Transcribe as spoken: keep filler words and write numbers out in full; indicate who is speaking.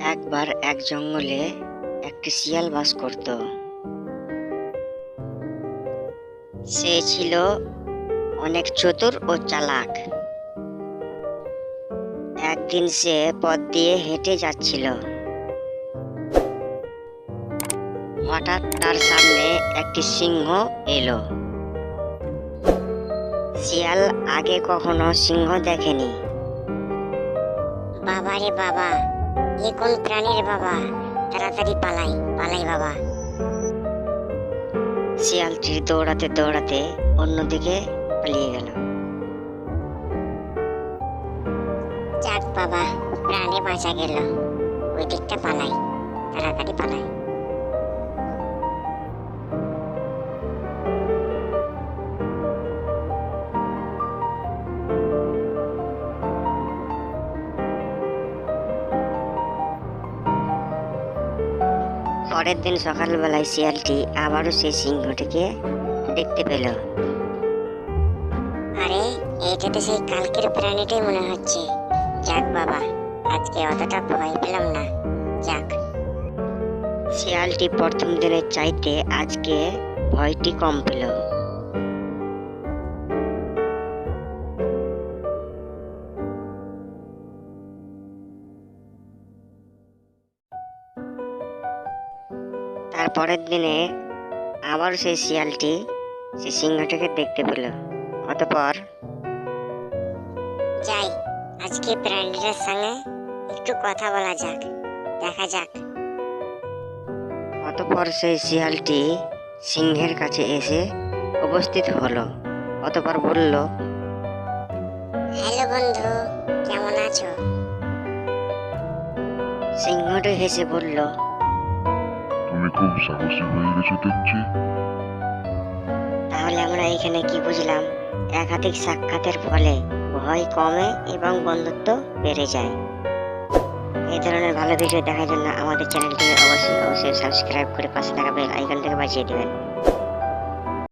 Speaker 1: একবার এক জঙ্গলে একটি শিয়াল বাস করত। সে ছিল অনেক চতুর ও চালাক। একদিন সে পথ দিয়ে হেঁটে যাচ্ছিল। হঠাৎ তার সামনে একটি সিংহ এলো। শিয়াল আগে কখনো সিংহ দেখেনি।
Speaker 2: বাবা রে বাবা, এ কোন প্রাণীর বাবা? তাড়াতাড়ি পালাই পালাই বাবা।
Speaker 1: শিয়ালটি দৌড়াতে দৌড়াতে অন্যদিকে পালিয়ে গেল।
Speaker 2: যাক বাবা, প্রাণে বাঁচা গেল। ওই দিকটা পালাই, তাড়াতাড়ি পালাই।
Speaker 1: পরের দিন সকালবেলায় শিয়ালটি আবারও সেই সিংহটিকে দেখতে পেল।
Speaker 2: আরে, এইটা তো সেই কালকের প্রাণীটাই মনে হচ্ছে। যাক বাবা, আজকে অতটা ভয় পেলাম না। যাক।
Speaker 1: শিয়ালটি প্রথম দিনের চাইতে আজকে ভয়টি কম পেল। তারপরের দিনে আবার সেই শিয়ালটি সেই সিংহটাকে দেখতে পেল। অতঃপর
Speaker 2: যাই, আজকে প্রাণীটার সঙ্গে একটু কথা বলা যাক, দেখা যাক।
Speaker 1: অতঃপর সেই শিয়ালটি সিংহের কাছে এসে উপস্থিত হলো। অতঃপর বলল,
Speaker 2: হ্যালো বন্ধু, কেমন আছো?
Speaker 1: সিংহটি হেসে বলল,
Speaker 3: তুমি খুব সাহসী হয়ে গেছো দেখছি।
Speaker 1: তাহলে আমরা এখানে কি বুঝলাম? একাধিক সাক্ষাতের ফলে ভয় কমে এবং বন্ধুত্ব বেড়ে যায়। এই ধরনের ভালো ভিডিও দেখার জন্য আমাদের চ্যানেলটিকে অবশ্যই অবশ্যই সাবস্ক্রাইব করে পাশে থাকা বেল আইকনটাকে বাজিয়ে দেবেন।